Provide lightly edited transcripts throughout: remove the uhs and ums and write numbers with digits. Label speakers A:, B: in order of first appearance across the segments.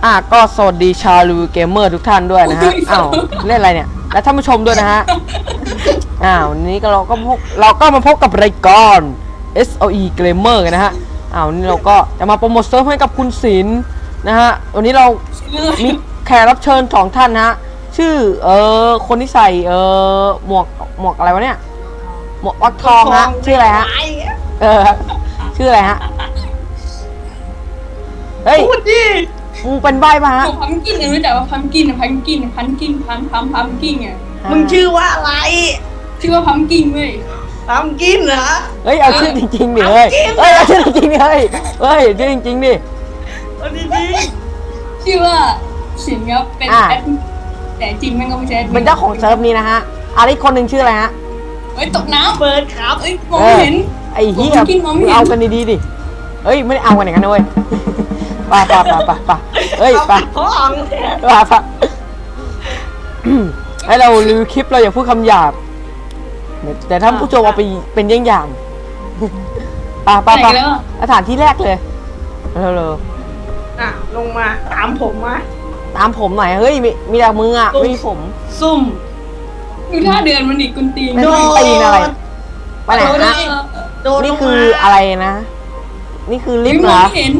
A: ก็สวัสดีชาวรีวิวเกมเมอร์ทุกท่านด้วยนะฮะอ้าวเล่นอะไรเนี่ยและท่านผู้ชมด้วยนะฮะวันนี้เราก็มาพบกับรายการ SOE Gamer กันนะฮะวันนี้เราก็จะมาโปรโมทเซิร์ฟให้กับคุณศิลป์นะฮะวันนี้เรามีแขกรับเชิญ2ท่านนะฮะชื่อคนที่ใส่หมวกอะไรวะเนี่ยหมวกวักทองฮะชื่ออะไรฮะชื่ออะไรฮะเฮ้ย
B: พูดดิ
A: มึงเป็นใบ้ป่ะฮะ
C: พัมกินรู้จักว่าพัมกินอ่ะ
B: มึงชื่อว่าอะไร
C: ชื่อว่าพัมกินเว้ย
B: พัมกินเหรอ
A: เฮ้ยเอาชื่อจริงๆดิเฮ้ยเอาชื่อจริงๆดิเฮ้ยชื่อจริงๆดิ
B: เอาดี
C: ชื่อว่าสินครับเป็นแอดแต่จริงมันก็ไม่ใช่
A: เป็นเจ้าของเซิร์ฟนี้นะฮะอีกคนหนึ่งชื่ออะไรฮะ
C: เฮ้ยตกน้ำ
B: เปิดครับ
C: มองไม่เห็น
A: ไอ้เหี้ยเอากันดีๆดิเฮ้ยไม่ได้เอากันอย่างนั้นเว้ยป่ะเฮ้ยป่ะให้เรารีวิวคลิปเราอย่าพูดคำหยาบแต่ถ้าผู้ชมเอาไปเป็นเยี่ยงอย่างป่ะสถานที่แรกเลยเร็ว
B: ลงมาตามผม
A: หน่อยเฮ้ยมีแต่มืออ่ะไม่มีผม
B: ซุ่ม
C: ดูท่าเดินมันดิกุนตีน
A: โดนตีนอะไรไปไหนนะนี่คืออะไรนะนี่คือลิฟต์เหรอ
C: เห็น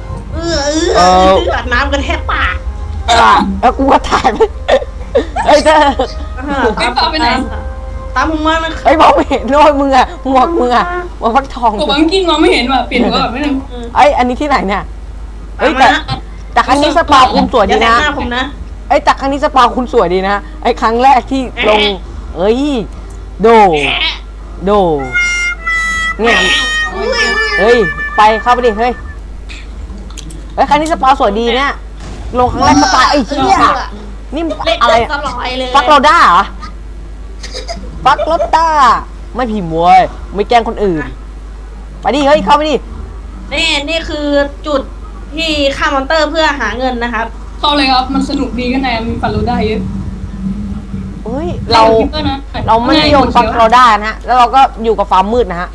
B: อาบน้ำกันแทบปาก
A: แล้วกูก็ถ่ายไปเฮ้ยเธอ
C: ไปไหน
B: ตามมึงมานะ
A: ไอ้มองไม่เห็นด้วยมึงอะหมวกมึงอะหมวกฟักทอง
C: กูบังกินมองไม่เห็นว่ะเปลี่ยนหัวแบบไม่ได้
A: อันนี้ที่ไหนเนี่ยแต่ครั้งนี้สปาคุณสวยดีนะแต่ครั้งนี้สปาคุณสวยดีนะครั้งแรกที่ลงโดเนี่ยไปเข้าไปดิเฮ้ยครั้งนี้สปาสวยดีเนี่ยลงครั้งแรกสปาไอ้เหี้ยนี่อะไรฟักโรด้าเหรอฟักโรด้าไม่ผีมวยไม่แกล้งคนอื่นไปดิเฮ้ยเข้าไปดิ
B: นี่คือจุดที่ฆ่ามอนเตอร์เพื่อหาเงินนะครับ
C: เข้าเลยครับมันสนุกดีกันไหนมีฟักโรด้าเยอะ
A: เราไม่นิยมฟักโรด้านะแล้วเราก็อยู่กับฟาร์มมืดนะฮะ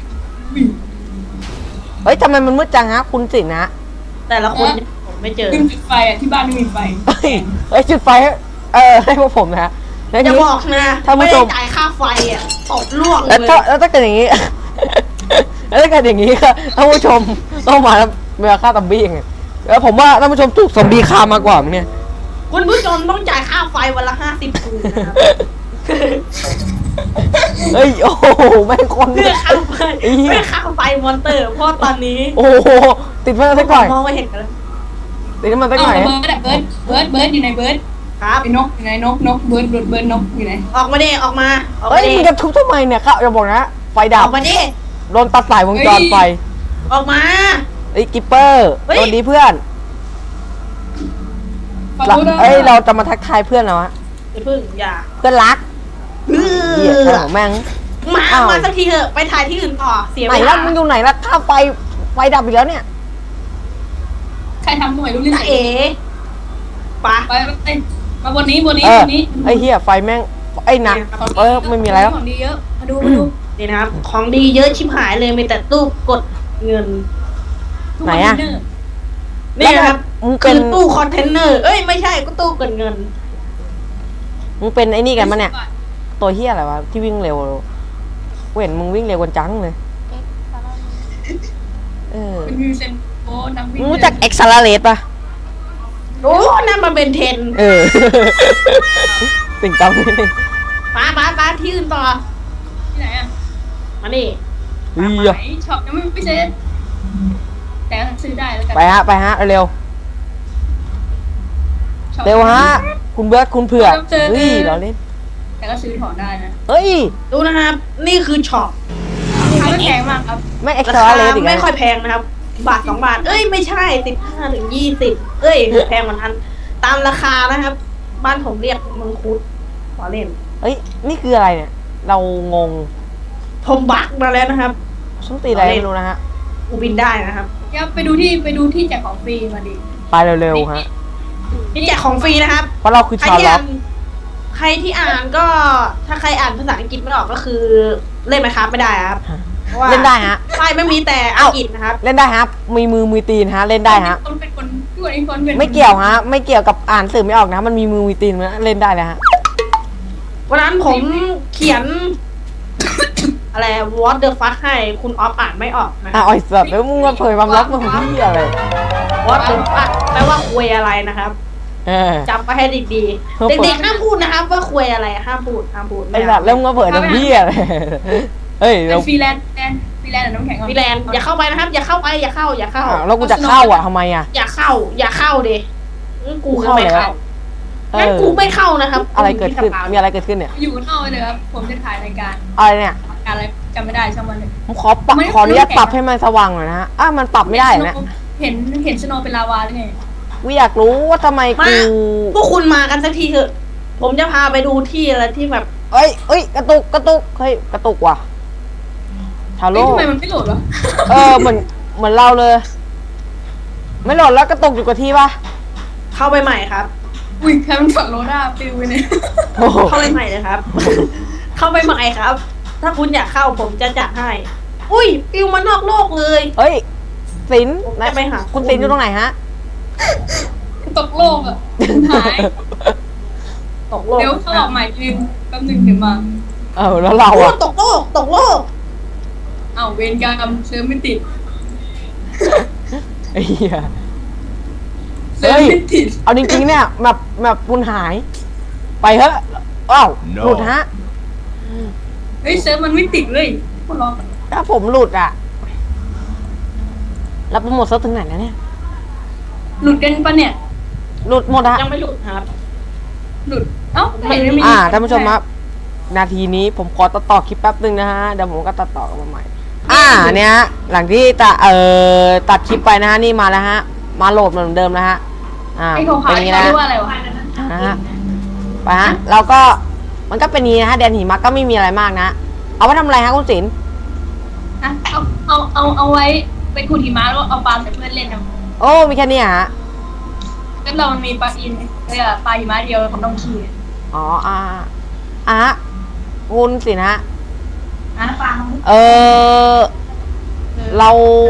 A: เฮ้ยทำไมมันมืดจังฮะคุณสินนะ
B: แต่ละคนผมไม่เจอ
C: จุดไฟที่บ้านไม่มีไฟ
A: จุดไฟให้พวกผมนะ
B: จะบอกนะไม่ได้จ่ายค่าไฟตกล่วงเลย
A: แล้วถ้าเกิดอย่างนี้แล้วถ้าเกิดอย่างนี้ก็ท่านผู้ชมต้องมาเมื่อฆ่าซอมบี้ไงแล้วผมว่าท่านผู้ชมถูกซอมบี้ฆ่ามากกว่ามั้งเนี่ย
B: คุณผู้ชมต้องจ่ายค่าไฟวันละ50 คูนะครับ
A: โอ้โหแม่งคน
B: เพื่อค่าไฟมอนเตอร์เพราะตอนนี้
A: โอ้โหติดมาสักหน่อย
B: มองไม่เห็นกัน
A: ติดมาสักหน่อย
C: เบิร์ดอยู่ในเบิร์ด
B: ครับ
C: ไอ้นกอยู่ไหนนกเบิร์ดนกอยู่ไหน
B: ออกมาดิออกมา
A: มึงจะทุบทำไมเนี่ยครับอย่าบอกนะไฟดับ
B: ออกมาดิ
A: โดนตัดสายวงจรไฟ
B: ออกมา
A: กิปเปอร์โดนดีเพื่อนเราจะมาทักทายเพื่อนเหรอวะ
B: เพื่
A: อนรักเหี้ยแม่ง
B: มาสักทีเถอะไปถ่ายที่อื่นต่อเสียเวลา
A: ไหนล่ะมึงอยู่ไหนล่ะข้าไฟดับอีกแล้วเนี่ย
C: ใครทำทำไมรู้เรื่องไปมาบนนี้
A: ไอ้เหี้ยไฟแม่งหนักไม่มีอะไรแล้ว
C: ของดีเยอะมาดู
B: นี่นะครับของดีเยอะชิบหายเลยมีแต่ตู้กดเงิน
A: ไหนอะ
B: นี่ครับคือตู้คอนเทนเนอร์ไม่ใช่ก็ตู้กดเงิน
A: มึงเป็นไอ้นี่กันมั้ยเนี่ยตัวเหี้ยอะไรวะที่วิ่งเร็วเห็นมึงวิ่งเร็วกว่าจังเลย
C: เป็นยูเซนโอ้นักวิ่ง
A: รู้จักเอ็กซ์ซาเลตป่ะ
B: โอ้นั่นมันเป็นเทน
A: ติ่งต้องนิดนึง
B: ป้าที่อื่นต่อ
C: ที่ไหนอ่ะ
B: มาดิ
C: ช็อปยังไม่เสร็จแต่ซื้อได้แล้วกัน
A: ไปฮะเร็วฮะคุณเบิร์ดคุณเผือกเราเล่น
C: แต่ก็ซื้อถอนได้นะ
B: ดูนะครับนี่คือช็อป
C: ไม่แพงมากครับ
A: ไม่เอ็กซ์ตร้าเลส
B: ไม่ค่อยแพงนะครับบาท2 บาทไม่ใช่15 ถึง 20แพงเหมือนกันตามราคานะครับบ้านผมเรียกมังคุดขอเล่น
A: นี่คืออะไรเนี่ยเรางง
B: ผมบักมาแล้วนะครับ
A: ช่างตีอะไรไม่รู้นะฮะ
B: กูบินได้นะครับ
C: ไปดูที่แจกของฟรีมาดิ
A: ไปเร็วๆฮะ
B: นี่แจกของฟรีนะครับ
A: เพราะเราคือชาวล็อก
B: ใครที่อ่านก็ถ้าใครอ่านภาษาอังกฤษไม่ออกก็คือเล่นไหมครับไม่ได้ครับ
A: เล่นได้ฮะ
B: ใช่ไม่มีแต่อังกฤษนะครับ
A: เล่นได้ครับมีมือตีนฮะเล่นได้ฮะ
C: เป็นคนส่วนอีกคนเป็น
A: ไม่เกี่ยวฮะ ไม่เกี่ยวกับอ่านสื่อไม่ออกนะ มันมีมือมีตีนนะเล่นได้เลยฮะ
B: วันนั้นผมเขียน อะไร what the fuck ให้คุณออฟอ่านไม่ออกนะ
A: อ่ะอ่อยสัตว์แล้วมึงมาเผยความลับมึงของพี่อะไร
B: what the fuck แปลว่าคุยอะไรนะครับ
A: เออ
B: จำไปให้ดีๆ เด็กๆห้ามพูดนะครับ ว่าคุยอะไรห้ามพูด
A: ไอ้สัตว์แล้วมึงมาเผยทำพี่อะไรเฮ้ย
C: เป็
A: เรา
C: นฟรีแลนซ์ฟรีแลนซ์น้ำแข็ง
B: พี่แลนด์อย่าเข้าไปนะครับ อย่าเข้าไปอย่าเข้า
A: อ่ะแล้วกูจะเข้าอ่ะทำไมอ่ะ
B: อย่าเข้าดิงั้นกูก็ไม่
A: เข้า
B: เข้างั้นกูไม่เข้านะครับ
A: อะไรเกิดขึ้น มีอะไรเกิดขึ้นเนี่ย
C: อยู่นอกเลยครับผมจะถ่ายรายการ
A: อะไรเนี่ย
C: อะไรจำไม่ได้ช่างมันเลย
A: ผมขอปรับขออนุญาตปรับให้มันสว่างหน่อยนะฮะมันปรับไม่ได้เหรอเนี่ย
C: เห็นสโนว์เป็นลาวาหรือไง
A: กูอยากรู้ว่าทำไม
B: มา
A: กู
B: พวกคุณมากันสักทีเถอะ ผมจะพาไปดูที่อะไรที่แบบ
A: เอ้ยกระตุกเฮ้ยกระตุกว่ะชาโล
C: ทำไมมันไม่โหลดวะ
A: เหมือนเราเลย ไม่โหลดแล้วกระตุกอยู่กับที่ปะ
B: เข้าไปใหม่ครับ
C: อุ้ยใครมันฝังโรด้าปิวไปเนี่ย
A: โอ้โห
B: เข้าไปใหม่เลยครับ เข้าไปใหม่ครับ ถ้าคุณอยากเข้าผมจะจัดให้ อุ้ยปิวมานอกโลกเลย
A: เฮ้ยสิน
B: ผมจะไปหา
A: คุณสินอยู่ตรงไหนฮะ
C: ตกโลกอ่ะหาย
B: ตกโลก
C: เดี๋ยวเขาออกใหม่ลืมแป๊บนึงเดี๋ยวมา
A: แล้วเรา
B: โอ้
A: อ่ะ
B: ตกโลก
C: เอ้าเวรกรรมเซิร์ฟไม่ติด
A: ไอ้เหี้ย
C: เซิร์ฟไม่ติด
A: เอาจริงๆเนี่ยแบบคุณหาย ไปเถอะอ้าว
D: No
A: หลุดฮะ
C: เฮ้ยเซิร์ฟมันไม่ติดเลยคนรอ
A: ถ้าผมหลุดอ่ะแล้วโปรโมทเซิร์ฟถึงไหนแล้วเนี่ย
C: หลุดกันปะเนี่ย
A: หลุดหมดอะ
B: ยังไม่หลุดครับ
C: หลุดเอ้าเห็นไม่มี
A: ท่านผู้ชมครับ นาทีนี้ผมขอตัดต่อคลิปแป๊บนึงนะฮะ เดี๋ยวผมก็ตัดต่อกันมาใหม่ เนี่ยฮะหลังที่ตัดคลิปไปนะฮะ นี่มาแล้วฮะ มาโหลดเหมือนเดิมนะฮะ
C: ไอ้ขาว
A: เป็นอย่างนี้
C: ๆเขา
A: นะ
C: เรียกว่าอะไรวะ
A: นะฮะ ไปฮะ เราก็ มันก็เป็นอย่างนี้นะฮะ แดนหิมะก็ไม่มีอะไรมากนะ เอาไว้ทำอะไรฮะคุณศิลป์
C: อ่ะเอาไว้ไปขุดหิมะแล้วเอาปลาใส่เพื่อนเล่นนะ
A: โอ้ มีแค่นี้ฮะ
C: แล้วเรามันมีปลาอินปลาหิมะเดียวของต้องขี่
A: อ๋อ คุณศิลป์ฮะ
C: อ่ะปลา
A: เรา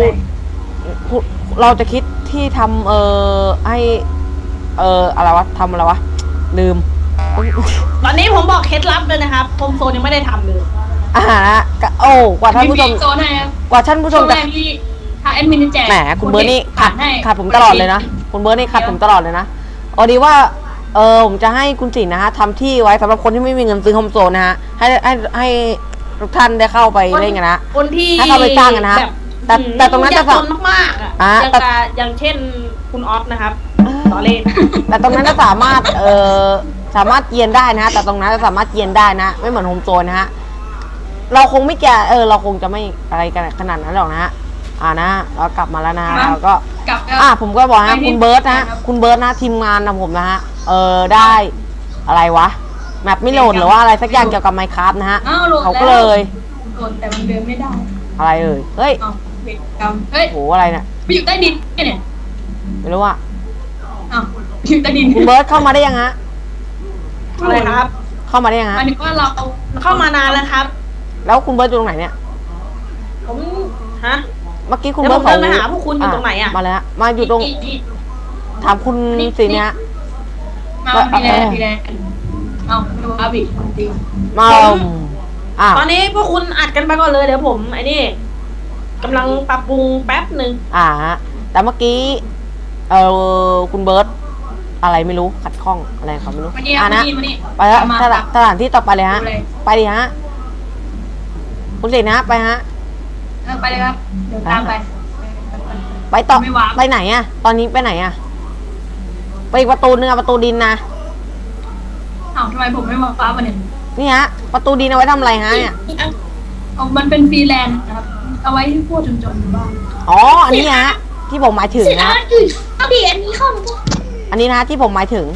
A: เราจะคิดที่ทำให้อะไรวะทำอะไรวะ ลืม
B: ตอนนี้ผมบอกเคล็ดลับเลยนะครับโฮมโซนยังไม่ได้ทำเลย
A: กว่าท่านผู้ชม
C: โซนให้ครับ
A: กว่าท่านผู้ช
C: ช่ว
A: ม
C: ง
A: จะ
C: แรกที่ถ้าแอดมินจะแจก
A: แหมคุณเบิร์ดนี่ขาดผมตลอดเลยนะคุณเบิร์ดนี่ขาดผมตลอดเลยนะดีว่าผมจะให้คุณศิลป์นะฮะทำที่ไว้สำหรับคนที่ไม่มีเงินซื้อโฮมโซนนะฮะให้ทุกท่านได้เข้าไปเล่นกันนะ
B: คนที่
A: ให้เข้าไปจ้างกันนะ
B: แบบ
A: แต่ตรงนั้น
B: ยา
A: จะ
B: กจนมากๆอย่างเช่นคุณออฟนะครับต่อเล่น
A: แต่ตรงนั้นจะสามารถสามารถเกียนได้นะฮะแต่ตรงนั้นจะสามารถเกียนได้นะไม่เหมือนโฮมโซนนะฮะเราคงไม่แก่เราคงจะไม่อะไรกันขนาดนั้นหรอกนะฮะนะเรากลับมาแล้วนะเราก็
C: กลับแล้ว
A: ผมก็บอกฮะคุณเบิร์ตนะคุณเบิร์ตนะทีมงานนะผมนะฮะได้อะไรวะแมปไม่โหลดหรือว่าอะไรสักอย่างเกี่ยวกับไมค์คราฟนะฮะ
C: อ้าวโหลด
A: เขาก็เลย
C: โหลดแต่มันเดินไม่ได้
A: อะไรเฮ้ย
C: อ้าวเวรกรรมเฮ้ย
A: โหอะไรเนี่ย
C: ไปอยู่ใต้ดินเนี่ย
A: ไม่รู้ว่า
C: อ้าวอยู่ใต้ดิน
A: คุณเบิร์ตเข้ามาได้ยังฮะ
B: อะไรครับ
A: เข้ามาได้ยัง
C: ห
A: ฮะ
C: มายถึงว่าเรา
B: เข้ามานานแล้วครับ
A: แล้วคุณเบิร์ตอยู่ตรงไหนเนี่ย
B: ผมฮะ
A: เมื่อกี้คุณ
B: เดี๋ยว
A: เบิร์ต
B: ผมเดินไปหาพวกคุณอยู่ตรงไหนอะ
A: มาเลยฮะมาอยู่ตรงถามคุณสิเนี่ยฮะ
C: มาดีแลนด์เอาดูอาบิจริง
A: มาอ้าว
B: ตอนนี้พวกคุณอัดกันไปก่อนเลยเดี๋ยวผมไอ้นี่กำลังปรับปรุงแป๊บหนึ่ง
A: ฮะแต่เมื่อกี้คุณเบิร์ตอะไรไม่รู้ขัดข้องอะไรเขาไม่รู้
C: มานี่
A: นะ
C: มานี่
A: ไปแล้ว
C: มา
A: สถานที่ต่อไปเลยฮะ
C: ดูเลย
A: ไปดิฮะคุณสินะไปฮะ
C: ไปเลยครับเดี๋ยวตามไป
A: ไปต่อ
C: ไม่วาง
A: ไปไหนอะตอนนี้ไปไหนอะไปอีกประตูนึงอะประตูดินนะ
C: อ้าวทำไมผมไม่มาฟ้าวันเนี่ย
A: นี่ฮะประตูดินเอาไว้ทำอะไรฮะเนี่ย
C: เอามันเป็นฟรีแลนซ์นะครับเอาไว้ให้พวกจนๆบ้าง
A: อ๋ออันนี้ฮะที่ผมหมายถึงนะ
C: เอาดิอันนี้เข้ามา
A: อันนี้นะที่ผมหมายถึง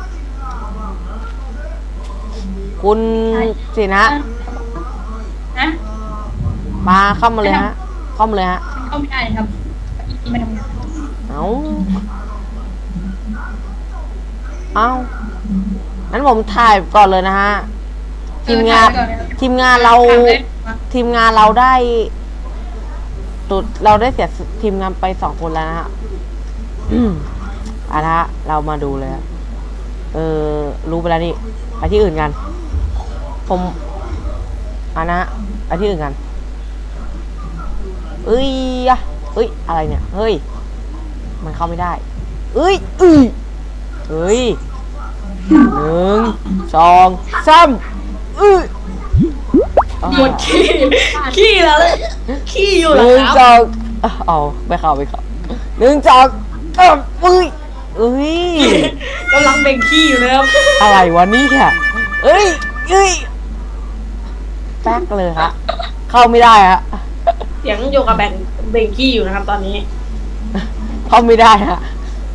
A: คุณสินะ
C: นะ
A: มาเข้ามาเลยฮะเข้ามาเลยฮะ
C: เข้าไม่ได้ครับอีมาทำงาน
A: เอางั้นผมถ่ายก่อนเลยนะฮะ ทีมงานเราได้เราได้เสียทีมงานไป2 คนแล้วนะฮะนะฮะเรามาดูเลยฮะรู้ไปแล้วนี่ไปที่อื่นกันผมนะไปที่อื่นกันเอ้ยอะไรเนี่ยเฮ้ยมันเข้าไม่ได้เฮ้ยหนึ่งสองสาม
B: หมดขี้แล้วเลยขี้อยู่
A: ห
B: เหรอ
A: นึ่ง
B: ครับ
A: สองเอาไปเข้าหนึ่งสองเอ้ย
B: กำลังเบ่งขี้อยู่นะครับ
A: อะไรวะนี่ค่ะเอ้ยแป๊กเลยฮะเข้าไม่ได้ฮะ
B: เสียงโยกับเบ่งขี้อยู่นะครับ ตอนนี้
A: เข้าไม่ได้ฮะ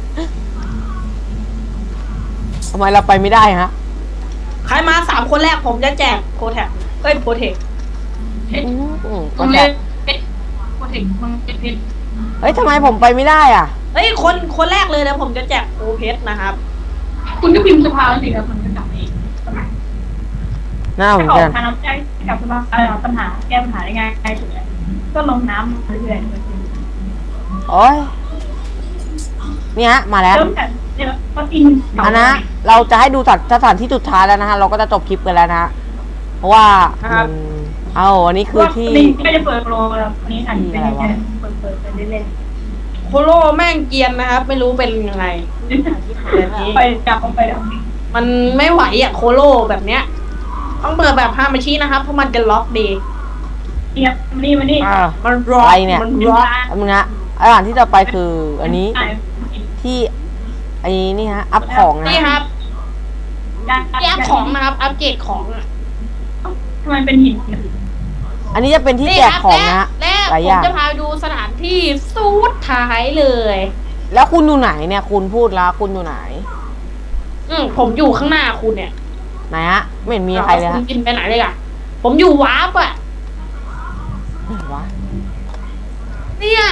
A: ทำไมเราไปไม่ได้ฮะ
B: ใครมา3 คนแรกผมจะแจกโปรแท็กโปรเทค
C: มึงเล่นโปรเทคมึงเป็นเพชร
A: เฮ้ยทำไมผมไปไม่ได้อ่ะ
B: เฮ้ยคนแรกเลยนะผมจะแจกโปรเพชรนะครับ
C: คุณก็พิมพ์สภาสิครับมันจะกลับเอง
A: หน้าเหมือน
C: ออ
A: กั
C: ก
A: น
C: ทางน้ำใจกับสภาปัญหาแก้ปัญหาได้ง่ายสุดเลยก็ลงน้ำเรื่อย
A: โอ้ยนี่ฮะมาแล้ว
C: เริ่มจากเนี่ยก็อิน
A: นะเราจะให้ดูสถานที่สุดท้ายแล้วนะฮะเราก็จะจบคลิปกันแล้วนะฮะเพราะว่าอันนี้คือที่
C: นี่ก็จะเปิดโปรแล้วนี้อันนี้เป็นแค่เปิดไปเล่น
B: โคโลแม่งเกรียนนะครับ ไม่รู้เป็นยังไง
C: ไปจับไปแล้ว
B: มันไม่ไหวอ่ะโคโลแบบเนี้ยต้องเปิดแบบฮามาชินะครับเพราะมันจะล็อกดี
C: เนี่ยนี่มานี่
B: มันล็อก
A: อะไรเนี่ย
B: มันล็อก
A: อันนึงนะอาหารที่จะไปคืออันนี้ที่ไอ้นี่ฮะอัพของนะ
B: นี่ครับที่อัพของนะครับอัปเกรดของอะ
C: ทำไมเป็นหิน
A: อันนี้จะเป็นที่แจกของนะฮะ
B: และ
A: หลาย
B: ผ
A: อ
B: ม
A: ย่าง
B: จะพาไปดูสถานที่สุดท้ายเลย
A: แล้วคุณอยู่ไหนเนี่ยคุณพูดแล้วคุณอยู่ไหน
B: ผมอยู่ข้างหน้าคุณเนี่ย
A: ไหนฮะไม่เห็นมีใครเลย
B: คุ
A: ฮะ
B: ณกินไปไหนเลยอ่ะผมอยู่วาร์ปอ่ะ
A: ไหนวะ
B: เนี่ย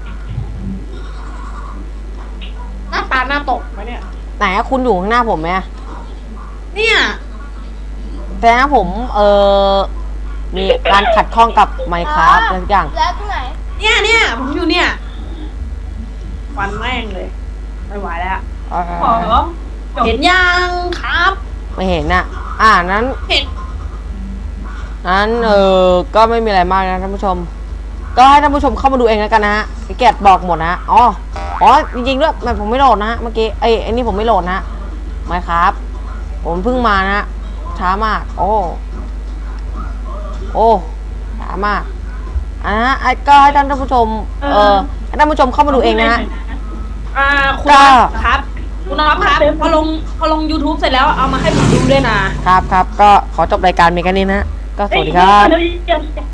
B: หน้าตาหน้าตกไหมเนี่ย
A: ไหนอะคุณอยู่ข้างหน้าผมไหมอะ
B: เนี่ย
A: แต่นะผมมีการขัดข้องกับไมค์ครับอะไรทุกอย่าง
D: แล้วตรงไหน
B: เนี่ยผมอยู่เนี่ยฟันแม่งเลยไม่ไหวแล้ว
C: ขอ
B: เห็นยังครับ
A: ไม่เห็นน่ะนั้น
B: เห็น
A: ก็ไม่มีอะไรมากนะท่านผู้ชม ก็ให้ท่านผู้ชมเข้ามาดูเองแล้วกันนะฮะไอแกดบอกหมดนะฮะอ๋อจริงๆด้วยมันผมไม่โหลดนะฮะเมื่อกี้ไอ้นี่ผมไม่โหลดนะฮะไมค์ครับผมเพิ่งมานะฮะช้ามากโอ้ช้ามากก็ให้ท่านผู้ชมให้ท่านผู้ชมเข้ามาดูเองนะฮะ
B: คุณน็อปครับคุณน็อปครับพอลง YouTube เสร็จแล้วเอามาให้ผมดูด้วยนะครับ
A: ก็ขอจบรายการเมกันนี้นะฮะก็สวัสดีครับ
C: เดี๋ยว